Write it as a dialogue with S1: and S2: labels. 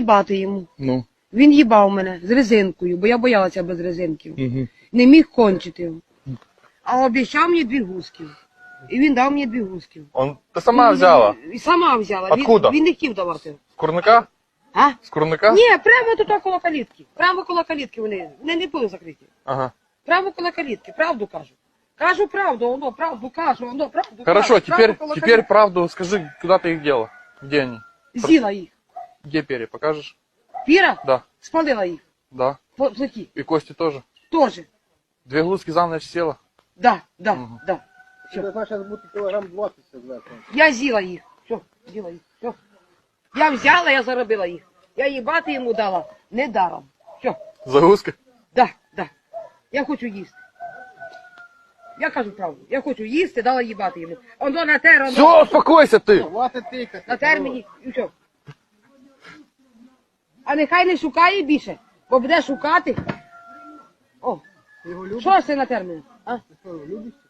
S1: їбати йому.
S2: Ну.
S1: Він їбав мене з резинкою, бо я боялася без резинків.
S2: Угу.
S1: Не міг кончити. А обіцяв мені 2 гуски. І він дав мені 2 гуски.
S2: Ти сама взяла?
S1: І сама взяла.
S2: Откуда?
S1: Він не хотів давати.
S2: З курника?
S1: А?
S2: З курника?
S1: Ні, прямо тут коло калітки. Прямо коло калітки вони не були закриті.
S2: Ага.
S1: Прямо коло калітки, правду кажу. Кажу правду, воно правду кажу, воно правду
S2: Хорошо,
S1: кажу.
S2: теперь
S1: Прямо коло
S2: теперь правду скажи, куда ты их дела? Где они?
S1: калітки. З'їла їх.
S2: Где перья, покажешь?
S1: Піра?
S2: Да,
S1: Спалила їх.
S2: да.
S1: В плиті.
S2: И кости тоже.
S1: Тоже.
S2: 2 глузки за ночь села.
S1: Да.
S2: Мгм.
S1: Да.
S3: Це значить бути кілограм 20 зверху.
S1: Я з'їла їх. Все, з'їла їх. Все. Я взяла, я заробила їх. Я їбати йому дала. Не даром. Все.
S2: За гуска?
S1: Да. Я хочу їсти. Я кажу правду. Я хочу їсти, дала їбати йому. Оно натер, оно.
S2: Все, успокойся ты!
S3: Хватить тикати.
S1: Натер мені. І все. А нехай не шукає більше, бо буде шукати. О,
S3: Ти його любиш?
S1: що ж ти натер мене? А?
S3: Ти що, любиш?